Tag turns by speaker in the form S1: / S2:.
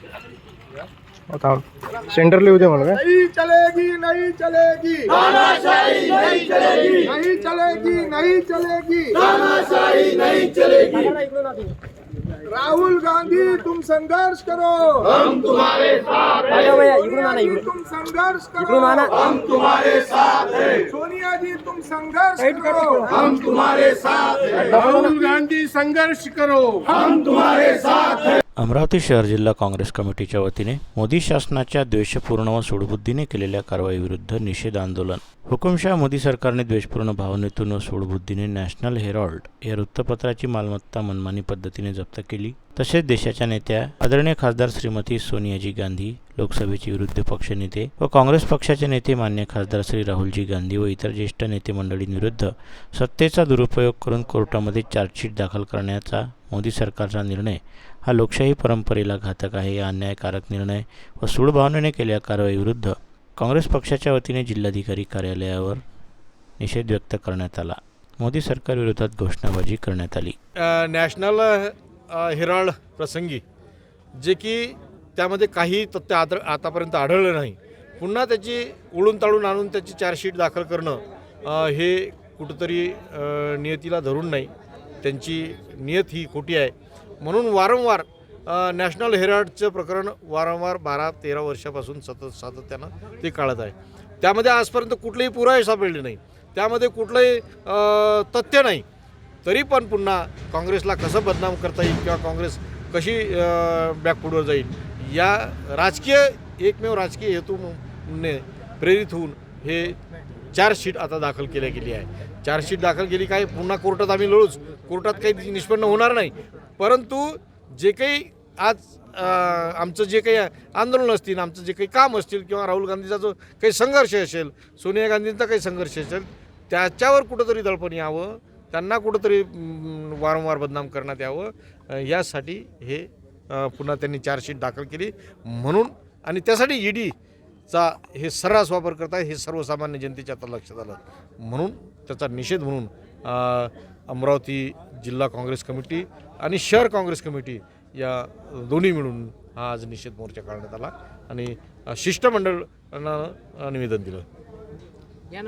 S1: Centre लिहू दे मला.
S2: नहीं चलेगी नहीं चलेगी तानाशाही नहीं चलेगी नहीं चलेगी नहीं चलेगी तानाशाही नहीं चलेगी. राहुल गांधी तुम संघर्ष करो हम तुम्हारे साथ हैं. तुम संघर्ष करो हम तुम्हारे साथ हैं. सोनिया जी तुम संघर्ष करो हम तुम्हारे साथ हैं. राहुल गांधी संघर्ष करो हम तुम्हारे साथ हैं.
S3: अमरावती शहर जिल्हा काँग्रेस कमिटीच्या वतीने मोदी शासनाच्या द्वेषपूर्ण व सूडबुद्धीने केलेल्या कारवाईविरुद्ध निषेध आंदोलन. हुकुमशाह मोदी सरकारने द्वेषपूर्ण भावनेतून व सूडबुद्धीने नॅशनल हेराल्ड या वृत्तपत्राची मालमत्ता मनमानी पद्धतीने जप्त केली. तसेच देशाच्या नेत्या आदरणीय खासदार श्रीमती सोनियाजी गांधी, लोकसभेचे विरोधी पक्षनेते व काँग्रेस पक्षाचे नेते मान्य खासदार श्री राहुलजी गांधी व इतर ज्येष्ठ नेते मंडळींविरुद्ध सत्तेचा दुरुपयोग करून कोर्टामध्ये चार्जशीट दाखल करण्याचा मोदी सरकारचा निर्णय हा लोकशाही परंपरेला घातक आहे. या अन्यायकारक निर्णय व सूडभावनेने केलेल्या कारवाईविरुद्ध काँग्रेस पक्षाच्या वतीने जिल्हाधिकारी कार्यालयावर निषेध व्यक्त करण्यात आला. मोदी सरकारविरोधात घोषणाबाजी करण्यात आली.
S4: नॅशनल हेराल्ड प्रसंगी जे की त्यामध्ये काही तथ्य आतापर्यंत आढळलं नाही, पुन्हा त्याची उडून ताळून आणून त्याची चार्जशीट दाखल करणं हे कुठंतरी नियतीला धरून नाही. त्यांची नियत ही खोटी आहे. म्हणून वारंवार नॅशनल हेराल्डचं प्रकरण वारंवार 12-13 वर्षापासून सातत्यानं ते काढत आहे. त्यामध्ये आजपर्यंत कुठलेही पुरावे सापडले नाही, त्यामध्ये कुठलंही तथ्य नाही. तरी पण पुन्हा काँग्रेसला कसं बदनाम करता येईल किंवा काँग्रेस कशी बॅकफूटवर जाईल या एकमेव राजकीय हेतूने प्रेरित होऊन हे चार्जशीट आता दाखल केल्या गेली आहे. चार्जशीट दाखल केली काय, पुन्हा कोर्टात आम्ही लढूच, कोर्टात काही निष्पन्न होणार नाही. परंतु जे काही आज आमचं जे काही आंदोलन असतील, आमचं जे काही काम असतील किंवा राहुल गांधीचा जो काही संघर्ष असेल, सोनिया गांधींचा काही संघर्ष असेल, त्याच्यावर कुठंतरी दडपण यावं, त्यांना कुठंतरी वारंवार बदनाम करण्यात यावं यासाठी हे पुन्हा त्यांनी चार्जशीट दाखल केली म्हणून. आणि त्यासाठी ईडीचा हे सर्रास वापर करत आहे हे सर्वसामान्य जनतेच्या आता लक्षात आलं. म्हणून त्याचा निषेध म्हणून अमरावती जिल्हा काँग्रेस कमिटी आणि शहर काँग्रेस कमिटी या दोन्ही मिळून हा आज निषेध मोर्चा काढण्यात आला आणि शिष्टमंडळानं निवेदन दिलं.